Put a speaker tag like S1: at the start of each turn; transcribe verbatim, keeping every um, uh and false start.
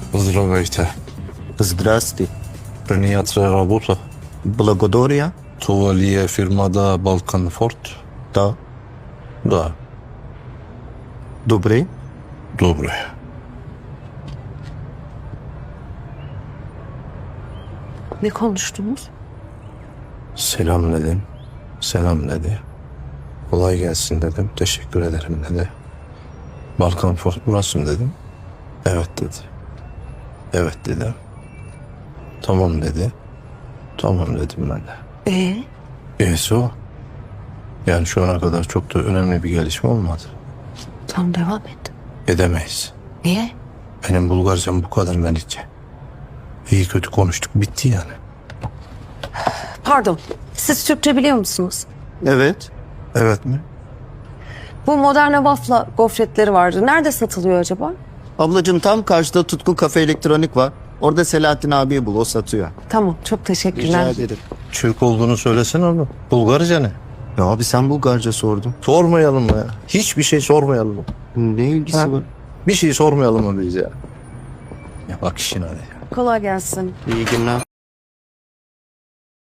S1: Здравейте.
S2: Здрасти.
S1: Приятна работа.
S2: Благодаря.
S1: Това ли е фирмата Балкан Форд?
S2: Да.
S1: Да.
S2: Добре.
S1: Добре.
S3: Ne konuştunuz?
S1: Selam dedim. Selam dedi. Kolay gelsin dedim. Teşekkür ederim dedi. Balkan Ford burası mı dedim. Evet dedi. Evet dedim. Tamam dedi. Tamam dedim ben de.
S3: Ee,
S1: E'si o. Yani şu ana kadar çok da önemli bir gelişme olmadı.
S3: tam devam et.
S1: Edemeyiz.
S3: Niye?
S1: Benim Bulgarcam bu kadar Melike. İyi kötü konuştuk, bitti yani.
S3: Pardon, siz Türkçe biliyor musunuz?
S2: Evet.
S1: Evet mi?
S3: Bu Modern Waffle gofretleri vardı. Nerede satılıyor acaba?
S2: Ablacığım tam karşıda Tutku Kafe Elektronik var. Orada Selahattin abiyi bul, o satıyor.
S3: Tamam, çok teşekkürler.
S2: Rica ederim.
S1: Türk olduğunu söylesene oğlum. Bulgarca ne?
S2: Ya abi sen Bulgarca sordun.
S1: Sormayalım mı ya? Hiçbir şey sormayalım mı?
S2: Ne ilgisi
S1: Ha?
S2: var?
S1: Bir şey sormayalım mı biz ya? Ya bak işin hadi.
S3: Kolay gelsin.
S2: İyi günler.